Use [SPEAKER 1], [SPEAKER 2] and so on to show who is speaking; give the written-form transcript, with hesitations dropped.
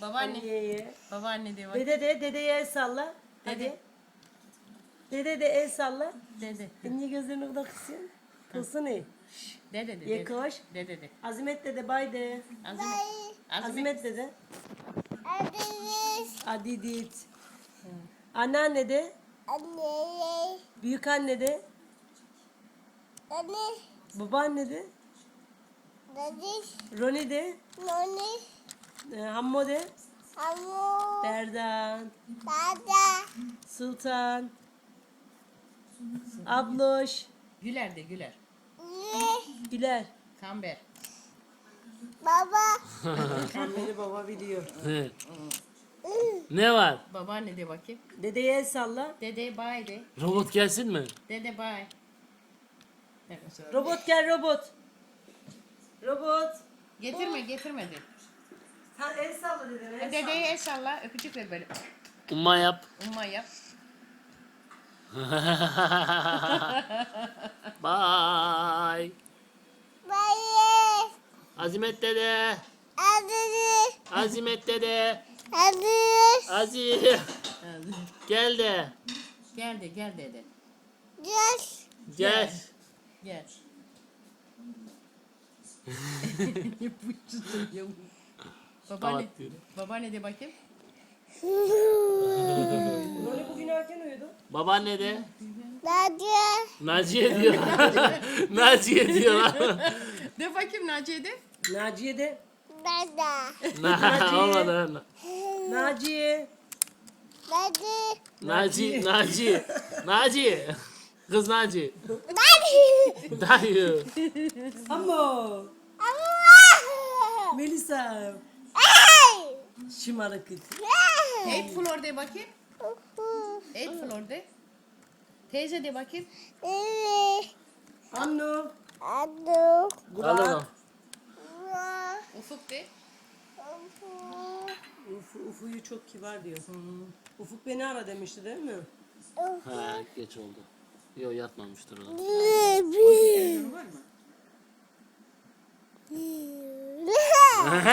[SPEAKER 1] Babaanne.
[SPEAKER 2] Anneye.
[SPEAKER 1] Babaanne de bak.
[SPEAKER 2] Dedeye el salla. Hadi. Dede de el salla.
[SPEAKER 1] Dede.
[SPEAKER 2] Niye gözlerini o kadar kısıyorsun? Kılsın iyi.
[SPEAKER 1] Dede de.
[SPEAKER 2] Ye koş.
[SPEAKER 1] Dede de.
[SPEAKER 2] Azimet dede bay de.
[SPEAKER 1] Azimet. Azimet.
[SPEAKER 2] Azimet dede. Adidit. Anneanne de.
[SPEAKER 3] Anne.
[SPEAKER 2] Büyük anne de.
[SPEAKER 3] Anne.
[SPEAKER 2] Babaanne de.
[SPEAKER 3] Dadi.
[SPEAKER 2] Roni de.
[SPEAKER 3] Noni.
[SPEAKER 2] Hammo de.
[SPEAKER 3] Amu.
[SPEAKER 2] Berdan.
[SPEAKER 3] Dada.
[SPEAKER 2] Sultan. Abloş.
[SPEAKER 1] Güler de Güler.
[SPEAKER 3] Ne.
[SPEAKER 2] Güler.
[SPEAKER 1] Kamber.
[SPEAKER 3] Baba.
[SPEAKER 2] Beni baba biliyor.
[SPEAKER 4] Ne var?
[SPEAKER 1] Babaanne de bakayım.
[SPEAKER 2] Dedeye el salla.
[SPEAKER 1] Dede bay de.
[SPEAKER 4] Robot gelsin mi?
[SPEAKER 1] Dede bay.
[SPEAKER 2] Robot gel robot. Robot.
[SPEAKER 1] Getirme de.
[SPEAKER 2] Ha, el salla dedene. El
[SPEAKER 1] Dedeye el salla. Öpücük ver böyle.
[SPEAKER 4] Umma yap.
[SPEAKER 1] Umma yap.
[SPEAKER 4] Bye.
[SPEAKER 3] Bayi.
[SPEAKER 4] Azimet dede.
[SPEAKER 3] Adı.
[SPEAKER 4] Azimet dede.
[SPEAKER 3] Adı.
[SPEAKER 4] Aziz. Gel de.
[SPEAKER 1] Gel dede.
[SPEAKER 3] Gel.
[SPEAKER 4] Gel.
[SPEAKER 1] Gel. Bu tutuyor. Babaanne.
[SPEAKER 4] Kapat diyorum.
[SPEAKER 1] Babaanne de bakayım.
[SPEAKER 2] Roni bugün erken uyudu.
[SPEAKER 4] Babaanne de.
[SPEAKER 3] Dadi.
[SPEAKER 4] Naciye diyor. Naciye diyor lan.
[SPEAKER 1] De bakayım Naciye de.
[SPEAKER 2] Naciye de.
[SPEAKER 3] Dada.
[SPEAKER 4] Olmadı lan.
[SPEAKER 2] Naciye.
[SPEAKER 3] Dadi.
[SPEAKER 4] Naci. Naci. Kız Naci.
[SPEAKER 3] Dadi.
[SPEAKER 4] Dayı.
[SPEAKER 2] Ammo.
[SPEAKER 3] Allah.
[SPEAKER 2] Melisa.
[SPEAKER 3] Ay.
[SPEAKER 2] Şımarık kız.
[SPEAKER 1] Eight floor de bakayım. Eight floor de. Teyze de bakayım.
[SPEAKER 2] Annu.
[SPEAKER 3] Adı.
[SPEAKER 4] Al oğlum.
[SPEAKER 1] Ufuk de.
[SPEAKER 2] Ufu'yu çok kibar diyor. Ufuk beni ara demişti değil mi?
[SPEAKER 4] Ha geç oldu. Yok yatmamıştır o da.
[SPEAKER 1] Var mı?